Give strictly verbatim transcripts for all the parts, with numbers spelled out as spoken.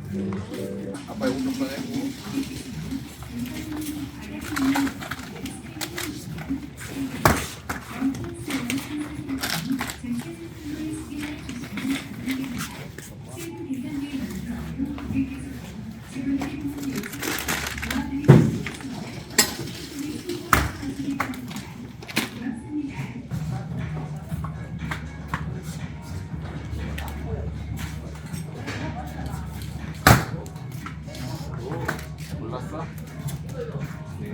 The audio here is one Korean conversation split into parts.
아빠 이거 좀 꺼내고. 몰랐어? 네.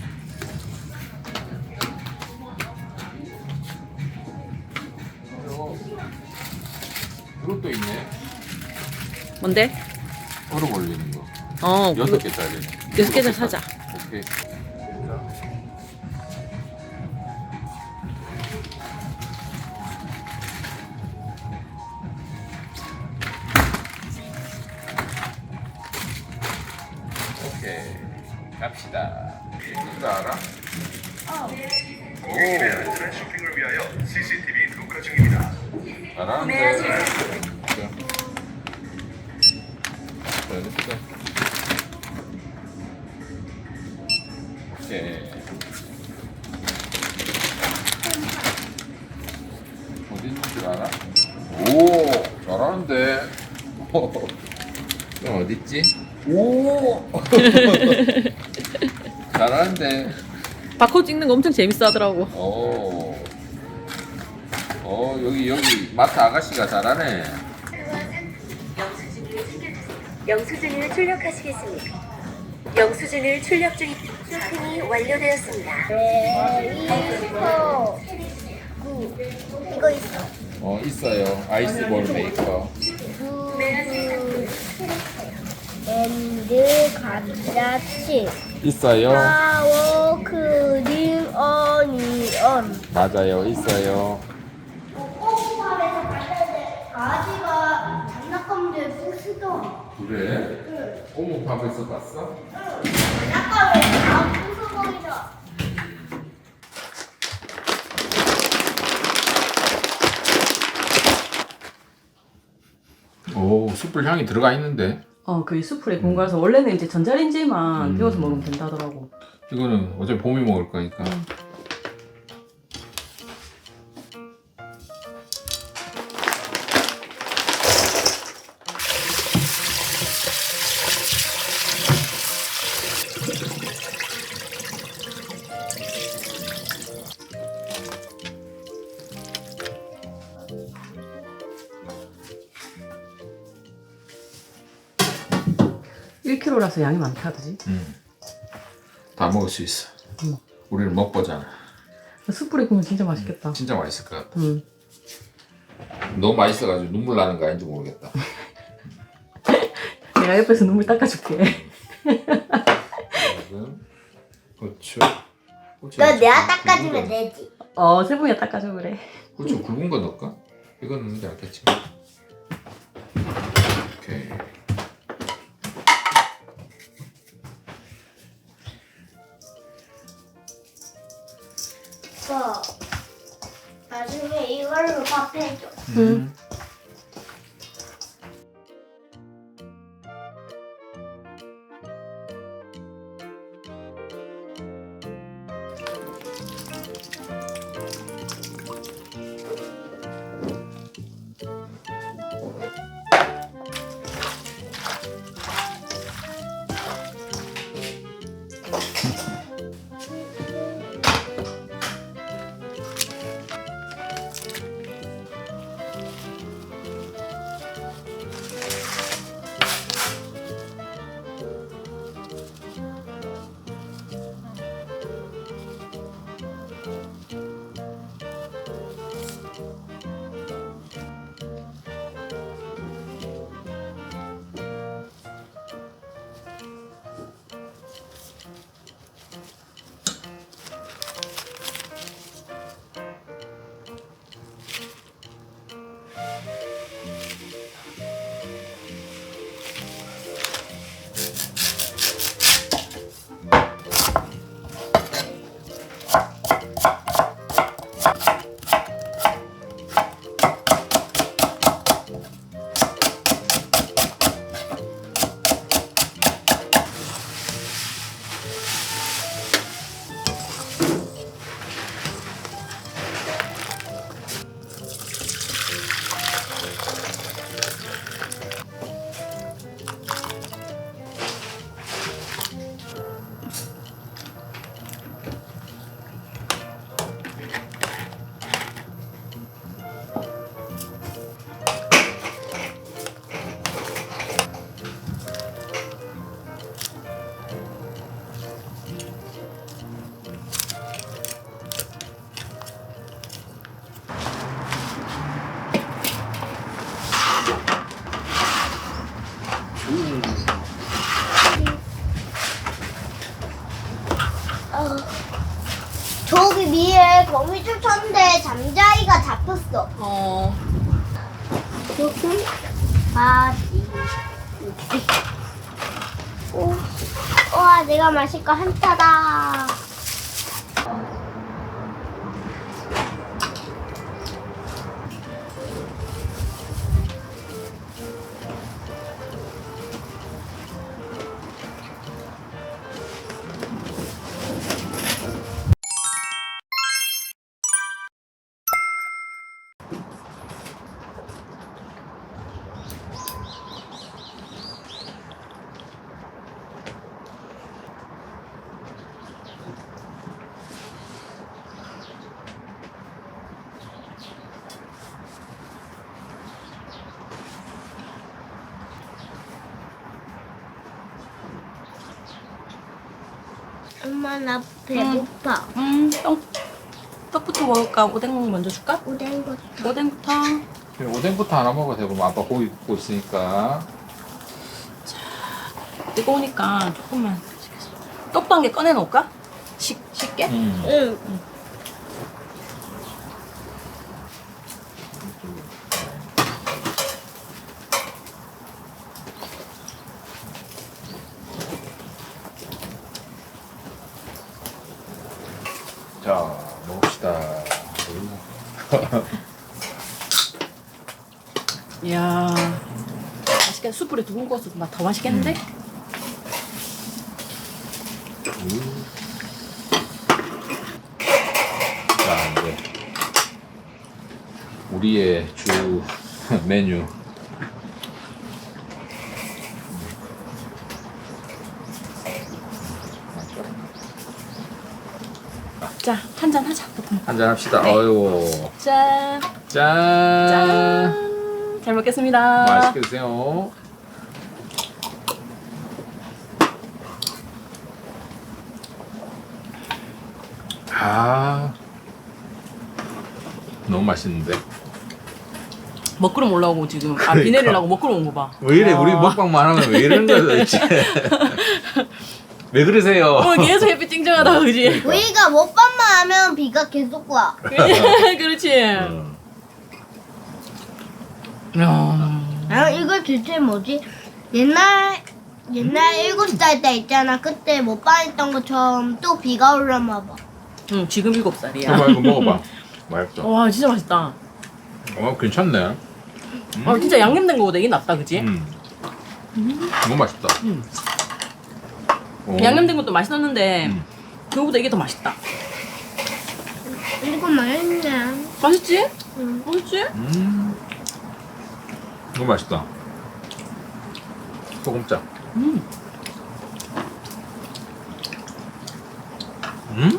이거 이것도 있네. 뭔데? 얼음 올리는 거. 어, 여섯 개짜리. 여섯 개짜리 사자. 오케이. 오케이. 갑시다. 이거 알아? 고객님의 안전한 쇼핑을 위하여 씨씨티비 녹화 중입니다. 잘하는데. 자, 됐어. 오케이. 어디 있는 줄 알아? 오, 잘하는데. 형 어디 있지? 오, 잘하는데. 바코드 찍는 거 엄청 재밌어 하더라고. 오, 어 여기 여기 마트 아가씨가 잘하네. 영수증을 출력하시겠습니까? 영수증을 출력 중 쇼핑이 완료되었습니다. 이거 이거 있어. 어 있어요. 아이스볼 메이커. 앤드 감자칩. 있어요. 파워 크림 어니언. 맞아요. 있어요. 꼬꼬밥에서 봤는데 아지가 장난감들 부수던. 그래? 오목밥에서 봤어? 장난감을 다 부숴버리자. 오 숯불 향이 들어가 있는데. 어, 그게 수프레 공갈서 원래는 이제 전자레인지만 음. 데워서 먹으면 된다더라고. 이거는 어차피 봄이 먹을 거니까. 음. 일 킬로그램라서 양이 많다더지. 음. 다 먹을 수 있어. 음. 우리는 먹보잖아. 숯불에 구우면 진짜 맛있겠다. 진짜 맛있을 것 같아. 음. 너무 맛있어가지고 눈물 나는 거 아닌지 모르겠다. 내가 옆에서 눈물 닦아줄게. 지금 고추. 고추 너 내가 굵은 닦아주면 거. 되지. 어, 세봉이가 닦아줘 그래. 고추 굵은 거 넣을까? 이거 넣는지 않겠지. 오케이. 어. 나중에 이걸로 밥 해줘. 음. 근데 거미줄 쳤는데 잠자이가 잡혔어. 어. 조금 바지. 오, 와 내가 마실 거 한타다. 엄마 나 배고파. 음, 떡, 떡부터 먹을까? 오뎅 먼저 줄까? 오뎅 거. 오뎅부터. 그래, 오뎅부터 하나 먹어도 되고 뭐 아빠 고기 굽고 있으니까. 뜨거우니까 조금만. 떡도 한 개 꺼내놓을까? 식, 쉽게? 음. 응. 자, 먹읍시다. 이야. 맛있겠다. 숯불에 두근 구워서 더 맛있겠는데? 음. 자, 이제 우리의 주 메뉴. 자, 한잔 하자. 보통. 한잔 합시다. 네. 어유. 짠. 짠. 짠. 잘 먹겠습니다. 맛있게 드세요. 아, 너무 맛있는데. 먹구름 올라오고 지금. 아, 그러니까. 비 내리려고 먹구름 온 거 봐. 왜 이래? 와. 우리 먹방만 하면 왜 이러는 거야 도대체? 왜 그러세요? 어, 계속 햇빛 찡찡하다, 그지? 우리가 먹방만 하면 비가 계속 와. 그렇지. 음. 야. 아 이거 대체 뭐지? 옛날 옛날 일곱 살 때 있잖아. 그때 먹방했던 것처럼 또 비가 올라나 봐. 응, 지금 일곱 살이야. 해봐, 이거 먹어봐. 맛있어. 와, 진짜 맛있다. 어, 괜찮네. 음. 아, 진짜 양념된 거보다 이게 낫다, 그지? 음. 너무 맛있다. 음. 어. 양념된 것도 맛있었는데 음. 그거보다 이게 더 맛있다. 이거 맛있네. 맛있지? 응. 맛있지? 음. 너무 맛있다. 소금짝. 음. 음.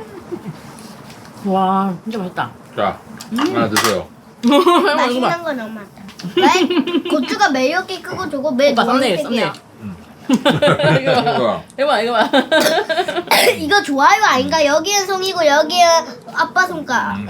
와, 진짜 맛있다. 자, 하나 드세요. 맛있는 거 너무 많다. 왜? 고추가 매력이 크고 저거 매 오빠 썸네일, 노란색이야. 썸네일. 이거 봐. 이거. 이거 봐, 이거 봐. 이거 좋아요 아닌가? 여기는 송이고 여기는 아빠 손가락.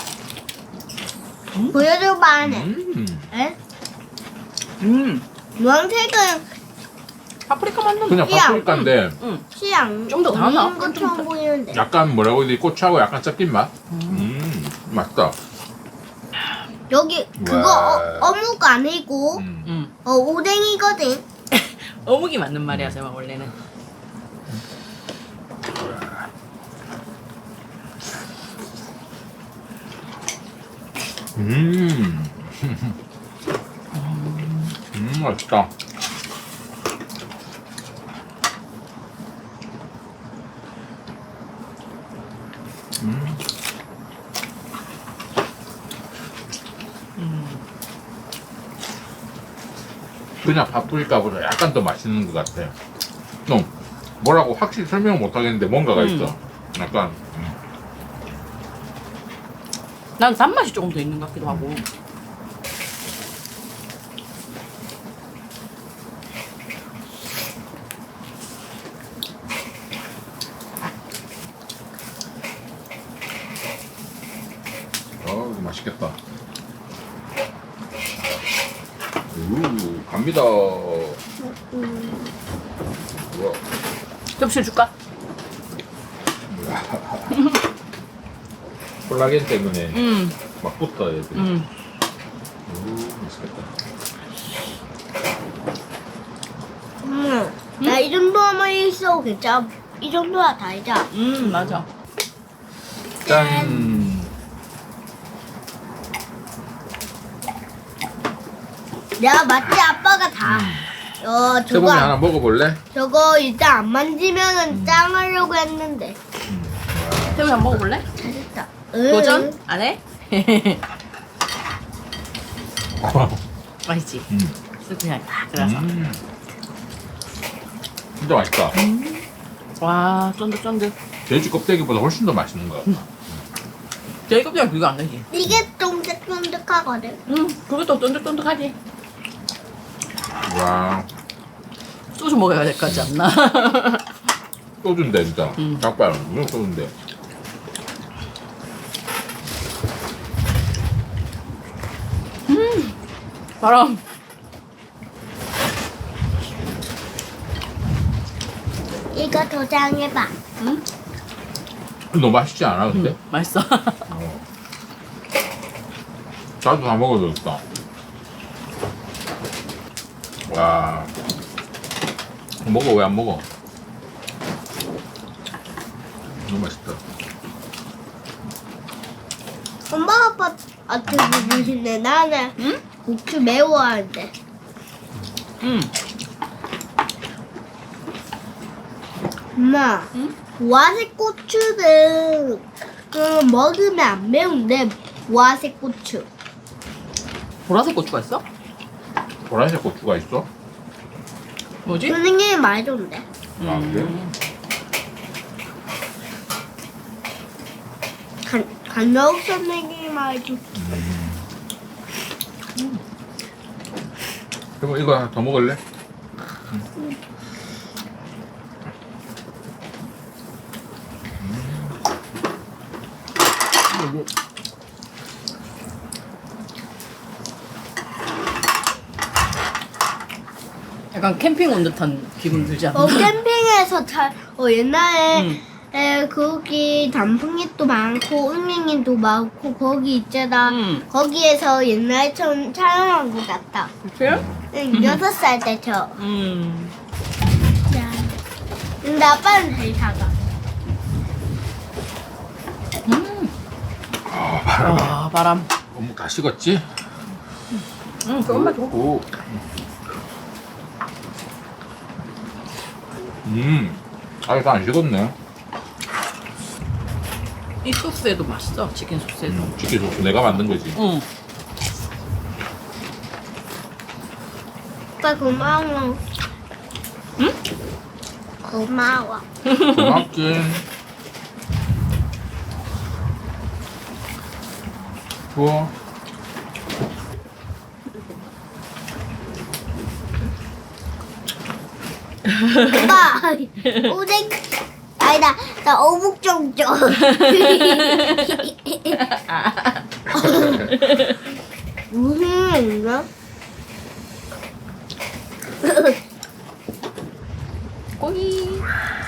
음. 보여줘봐 안에. 음. 에? 음. 노란색은 파프리카 맛나. 그냥 야. 파프리카인데 응. 시향. 좀더 달아. 없는 것처럼 보이는데. 약간 뭐라고 해야 되지? 고추하고 약간 섞인 맛? 음. 맛있다. 여기 그거 와. 어, 어묵 아니고 음. 음. 어 오뎅이거든. 어묵이 맞는 말이야, 제가 원래는. 음. 음, 맛있다. 음. 그냥 파프리카보다 약간 더 맛있는 것 같아. 좀 뭐라고 확실히 설명 못 하겠는데 뭔가가 음. 있어. 약간 음. 난 단맛이 조금 더 있는 것 같기도 하고. 어, 이거 맛있겠다. 우, 갑니다. 우와. 접시 줄까? 콜라겐 때문에 음, 막 붙어 애들이. 음. 오, 맛있겠다. 음, 나 이 정도만 있어 괜찮아. 이 정도야 다이자. 음, 맞아. 짠. 내가 맞지 아빠가 다. 어 저거 세범이 안- 하나 먹어볼래? 저거 일단 안 만지면은 짱 하려고 했는데. 태우야 한번 먹어볼래? 잘했다. 도전? 안 해? 맛있지? 음. 그냥 딱 들어서. 음. 진짜 맛있다. 와, 쫀득쫀득. 돼지 껍데기보다 훨씬 더 맛있는 것 같다. 제일 껍데기 비교 안 되지? 이게 쫀득쫀득하거든. 음, 그것도 쫀득쫀득하지? 와, 소주 먹어야 될 것 같지 않나? 소주인데 진짜. 음. 닭발 무슨 소주인데. 바람. 이거 도장해봐. 응? 너무 맛있지 않아 근데? 음, 맛있어. 어. 나도 다 먹어야겠다. 와, 먹어 왜 안 먹어? 너무 맛있다. 엄마 아빠한테 주시네. 나는 응? 고추 매워하는데. 음. 엄마, 응? 보라색 고추는 그 먹으면 안 매운데 보라색 고추. 보라색 고추가 있어? 보라색 고추가 있어? 뭐지? 선생님이 말해줬는데. 아 그래? 간 간호학 선생님이 말해줬. 그럼 이거 하나 더 먹을래? 약간 캠핑 온 듯한 기분 들지 않아? 어 캠핑에서 잘. 어 옛날에 응. 에, 거기 단풍잎도 많고 은행잎도 많고 거기 있잖아. 응. 거기에서 옛날처럼 촬영한 것 같다. 그래? 응, 여섯 살 때처럼. 음. 근데 아빠는 제일 작아. 음. 아 바람. 아, 바람. 어묵 다 식었지? 응, 그 엄마 줘. 오. 음. 아직 다안 식었네. 이 소스에도 맛있어, 치킨 소스에도. 음, 치킨 소스 내가 만든 거지. 응. 아빠 고마워. 응? 고마워. 고맙긴. 좋아. 아빠 오뎅 아니다 나 어묵 좀 줘. 무슨 인가? 꼬이.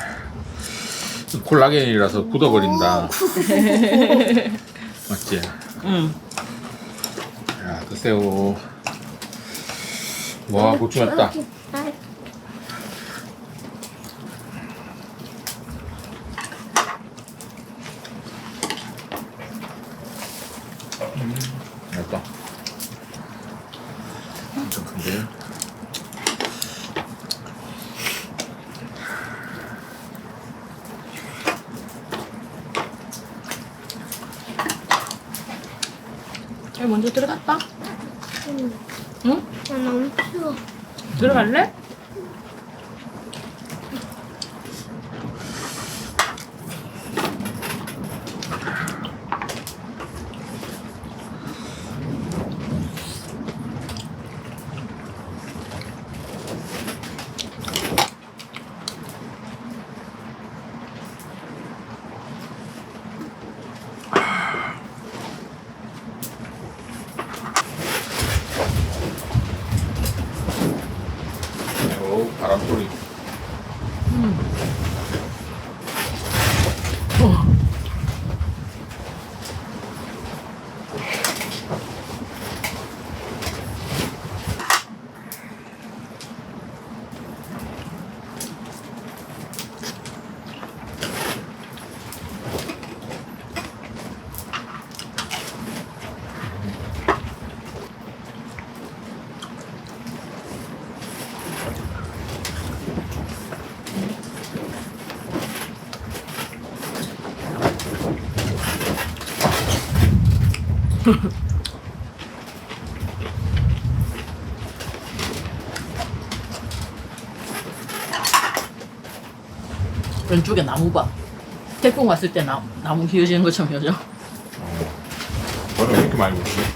콜라겐이라서 굳어버린다. 맞지? 응. 야, 드세요. 와, 고추 맵다. 음, 맵다. 엄청 큰데? 여기 먼저 들어갔다. 응. 응? 나 너무 추워. 들어갈래? 왼쪽에 나무봐. 태풍 왔을 때 나, 나무 휘어지는 것처럼 휘어져. 저는 왜 이렇게 많이 먹지?